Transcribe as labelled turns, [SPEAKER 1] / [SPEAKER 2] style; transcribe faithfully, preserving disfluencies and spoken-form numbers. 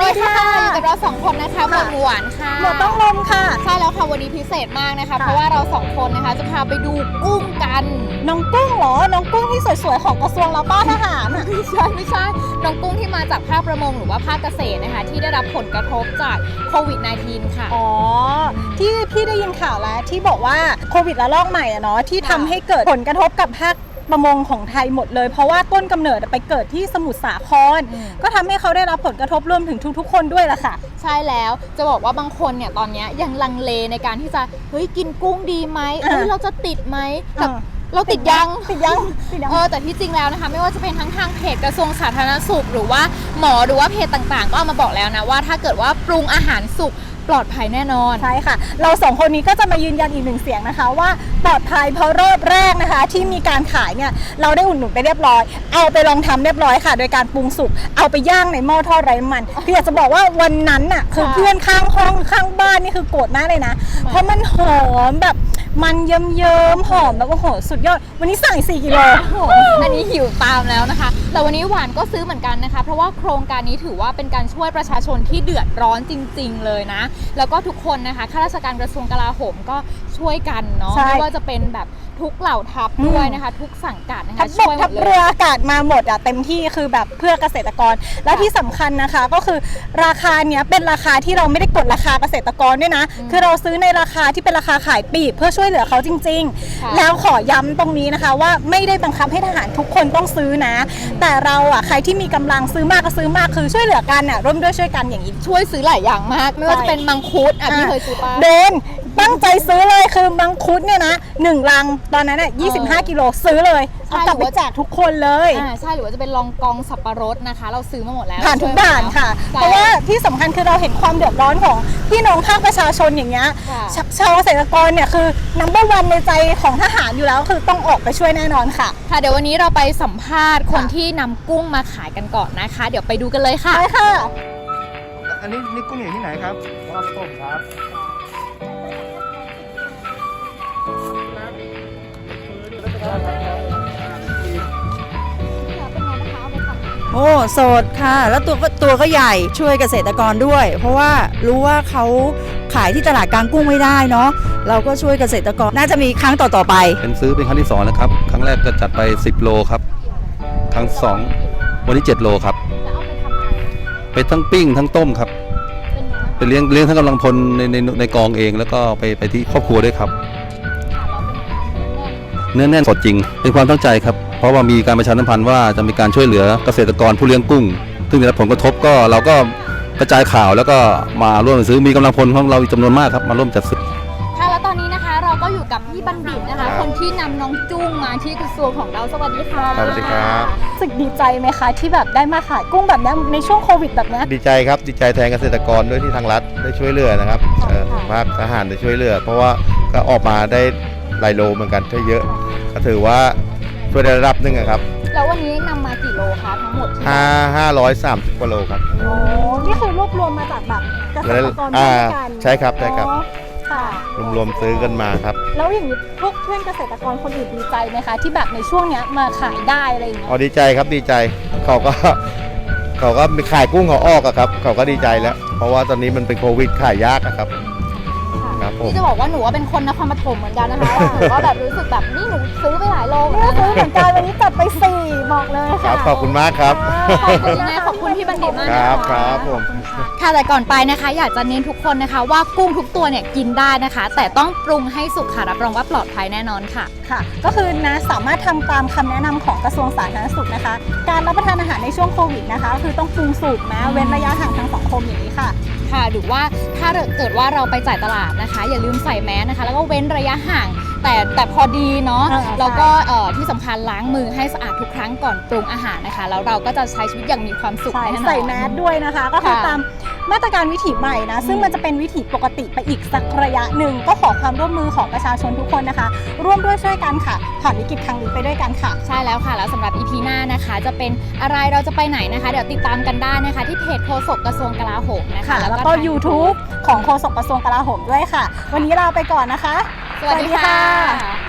[SPEAKER 1] ดีค่ะอยู่กับเราสองคนนะคะหมวดหวานค่ะ
[SPEAKER 2] หมวดต้องลมค่ะ
[SPEAKER 1] ใช่แล้วค่ะวันนี้พิเศษมากนะคะเพราะว่าเราสองคนนะคะจะพาไปดูกุ้งกัน
[SPEAKER 2] น้องกุ้งเหรอน้องกุ้งที่สวยๆของกระทรวงเราป้าทหาร
[SPEAKER 1] ไม่ใช่ไม่ใช่น้องกุ้งที่มาจากภาคประมงหรือว่าภาคเกษตรนะคะที่ได้รับผลกระทบจากโควิด สิบเก้า ค่ะ
[SPEAKER 2] อ๋อที่พี่ได้ยินข่าวแล้วที่บอกว่าโควิดระลอกใหม่อะเนาะที่ทำให้เกิดผลกระทบกับภาคประมงของไทยหมดเลยเพราะว่าต้นกำเนิดไปเกิดที่สมุทรสาครก็ทำให้เขาได้รับผลกระทบรวมถึงทุกๆคนด้วยล่ะค่ะ
[SPEAKER 1] ใช่แล้วจะบอกว่าบางคนเนี่ยตอนนี้ยังลังเลในการที่จะเฮ้ยกินกุ้งดีไหมเอ้ยเราจะติดไหมแต่เราติดยัง
[SPEAKER 2] ติดยังติดยัง
[SPEAKER 1] เออแต่ที่จริงแล้วนะคะไม่ว่าจะเป็นทั้งทางเพจกระทรวงสาธารณสุขหรือว่าหมอหรือว่าเพจต่างๆก็เอามาบอกแล้วนะว่าถ้าเกิดว่าปรุงอาหารสุกปลอดภัยแน่นอน
[SPEAKER 2] ใช่ค่ะเราสองคนนี้ก็จะมายืนยันอีกหนึ่งเสียงนะคะว่าปลอดภัยเพราะรอบแรกนะคะที่มีการขายเนี่ยเราได้อุดหนุนไปเรียบร้อยเอาไปลองทำเรียบร้อยค่ะโดยการปรุงสุกเอาไปย่างในหม้อทอดไร้น้ำมันคืออยากจะบอกว่าวันนั้นน่ะคือเพื่อนข้างห้องข้างบ้านนี่คือโกรธมากเลยนะเพราะมันหอมแบบมันเยิ้มๆหอมแบบโอ้โหสุดยอดวันนี้สั่งสี่กิโล
[SPEAKER 1] อันนี้หิวตามแล้วนะคะแต่วันนี้หวานก็ซื้อเหมือนกันนะคะเพราะว่าโครงการนี้ถือว่าเป็นการช่วยประชาชนที่เดือดร้อนจริงๆเลยนะแล้วก็ทุกคนนะคะข้าราชการกระทรวงกลาโหมก็ช่วยกันเนาะไม่ว่าจะเป็นแบบทุกเหล่าทัพด้วยนะคะทุกสังกัดนะคะ
[SPEAKER 2] ช่วยหมดเลยทัพเรืออากาศมาหมดอะเต็มที่คือแบบเพื่อเกษตรกรและที่สำคัญนะคะก็คือราคาเนี้ยเป็นราคาที่เราไม่ได้กดราคาเกษตรกรด้วยนะคือเราซื้อในราคาที่เป็นราคาขายปลีกเพื่อช่วยเหลือเขาจริงๆแล้วขอย้ำตรงนี้นะคะว่าไม่ได้บังคับให้ทหารทุกคนต้องซื้อนะแต่เราอะใครที่มีกำลังซื้อมากก็ซื้อมากคือช่วยเหลือกันอะร่วมด้วยช่วยกันอย่างนี้
[SPEAKER 1] ช่วยซื้อหลายอย่างมากไม่ว่าจะเป็นมังคุดอ่ะพี่เคยซื้อป่ะ
[SPEAKER 2] เดินตั้งใจซื้อเลยคือมังคุดเนี่ยนะหนึ่งลังตอนนั้นอ่ะยี่สิบห้ากิโลซื้อเลยเอากลับไปแจกทุกคนเลย
[SPEAKER 1] อ่าใช่หรือว่าจะเป็นลองกองสับปะรดนะคะเราซื้อมาหมดแล้ว
[SPEAKER 2] ผ่านทุกด่านค่ะเพราะว่าที่สำคัญคือเราเห็นความเดือดร้อนของพี่น้องภาคประชาชนอย่างเงี้ยชาวเกษตรกรเนี่ยคือนัมเบอร์วันในใจของทหารอยู่แล้วคือต้องออกไปช่วยแน่นอนค่ะ
[SPEAKER 1] ค่ะเดี๋ยววันนี้เราไปสัมภาษณ์คนที่นำกุ้งมาขายกันก่อนนะคะเดี๋ยวไปดูกันเลยค่ะ
[SPEAKER 2] ไปค่ะ
[SPEAKER 3] อันนี้นี่กุ้งอย่างที่ไหนครับ
[SPEAKER 4] ครับผมครับ
[SPEAKER 5] โอ้สดค่ะแล้วตัวก็ตัวก็ใหญ่ช่วยเกษตรกรด้วย เพราะว่ารู้ว่าเขาขายที่ตลาดกลางกุ้งไม่ได้เนาะเราก็ช่วยเกษตรกรน่าจะมีครั้งต่อๆไป
[SPEAKER 3] เป็นซื้อเป็นครั้งที่สองแล้วครับครั้งแรกก็จัดไปสิบโลครับครั้งสองวันที่เจ็ดโลครับไปทั้งปิ้งทั้งต้มครับไปเลี้ยงเลี้ยงทั้งกำลังพลในในในกองเองแล้วก็ไปไปที่ครอบครัวด้วยครับเนื้อแน่นสดจริงเป็นความตั้งใจครับเพราะว่ามีการประชาสัมพันธ์ว่าจะมีการช่วยเหลือเกษตรกรผู้เลี้ยงกุ้งซึ่งได้รับผลกระทบก็เราก็กระจายข่าวแล้วก็มาร่วมซื้อมีกำลังพลของเราอีกจำนวนมากครับมาร่วมจัดซื้อ
[SPEAKER 1] ค่ะแล้วตอนนี้นะคะเราก็อยู่กับพี่บัณฑิตนะคะคนที่นำน้องจุ้งมาที่กระทรวงของเราสวัสดีค่ะ
[SPEAKER 3] สวัสดีครับ
[SPEAKER 2] รู้สึกดีใจไหมคะที่แบบได้มาขายกุ้งแบบนี้ในช่วงโควิดแบบนี้
[SPEAKER 3] ดีใจครับดีใจแทนเกษตรกรด้วยที่ทางรัฐได้ช่วยเหลือนะครับภาคทหารได้ช่วยเหลือเพราะว่าก็ออกมาได้หลายโลเหมือนกันถ้าเยอะก็ถือว่าช่วยได้ระดับหนึ่งครับ
[SPEAKER 1] แล้ววันนี้นำมากี่โลคะทั้งหมด
[SPEAKER 3] ห้าห้าร้อยสามสิบกว่าโลครับ
[SPEAKER 2] โอ้นี่คือรวบรวมมาจากแบบเกษตรกรด้วยกัน
[SPEAKER 3] ใช่ครับใช่ครับ
[SPEAKER 2] ค่ะ
[SPEAKER 3] รวมๆซื้อกันมาครับ
[SPEAKER 2] แล้วอย่างนี้พวกเพื่อนเกษตรกรคนอื่นดีใจไหมคะที่แบบในช่วงนี้มาขายได้อะไรอย่างเงี้ย
[SPEAKER 3] อ๋อดีใจครับดีใจเขาก็เขาก็มีขายกุ้งเขาออกอะครับเขาก็ดีใจแล้วเพราะว่าตอนนี้มันเป็นโควิดขายยากอะครับ
[SPEAKER 1] นี่จะบอกว่าหนูว่าเป็นคนนครปฐมเหมือนกันนะคะหนูก็แบบรู้สึกแบบนี่หนูซื้อไปหลายโล
[SPEAKER 2] นี่ซื้อเหมือนกันวันนี้จัดไปสี่บอกเลยค่ะ
[SPEAKER 3] ขอบคุณมากครับ
[SPEAKER 1] ขอบคุณนะขอบคุณพี่บัณฑิตมาก
[SPEAKER 3] ครับครับผม
[SPEAKER 1] ค่ะแต่ก่อนไปนะคะอยากจะเน้นทุกคนนะคะว่ากุ้งทุกตัวเนี่ยกินได้นะคะแต่ต้องปรุงให้สุกค่ะรับรองว่าปลอดภัยแน่นอนค่ะ
[SPEAKER 2] ค่ะก็คือนะสามารถทำตามคำแนะนำของกระทรวงสาธารณสุขนะคะการรับประทานอาหารในช่วงโควิดนะคะคือต้องปรุงสุกนะเว้นระยะห่างทางสังคมอย่างนี้ค่ะ
[SPEAKER 1] ค่ะหรือว่าถ้าเกิดว่าเราไปจ่ายตลาดนะคะอย่าลืมใส่แมสนะคะแล้วก็เว้นระยะห่างแต่แต่พอดีเนาะแล้วก็ที่สำคัญล้างมือให้สะอาดทุกครั้งก่อนปรุงอาหารนะคะแล้วเราก็จะใช้ชีวิตอย่างมีความสุขแน่นอน
[SPEAKER 2] ใส่แมสด้วยนะคะก็คือตามมาตรการวิถีใหม่นะซึ่งมันจะเป็นวิถีปกติไปอีกสักระยะหนึ่งก็ขอความร่วมมือของประชาชนทุกคนนะคะร่วมด้วยช่วยกันค่ะผ่านวิกฤตครั้งนี้ไปด้วยกันค่ะ
[SPEAKER 1] ใช่แล้วค่ะแล้วสำหรับ อี พี หน้านะคะจะเป็นอะไรเราจะไปไหนนะคะเดี๋ยวติดตามกันได้นะคะที่เพจโฆษกกระทรวงกลาโหมนะคะ
[SPEAKER 2] แล้วก็ ยูทูบ ของโฆษกกระทรวงกลาโหมด้วยค่ะวันนี้ลาไปก่อนนะคะ
[SPEAKER 1] สวัสดีค่ะ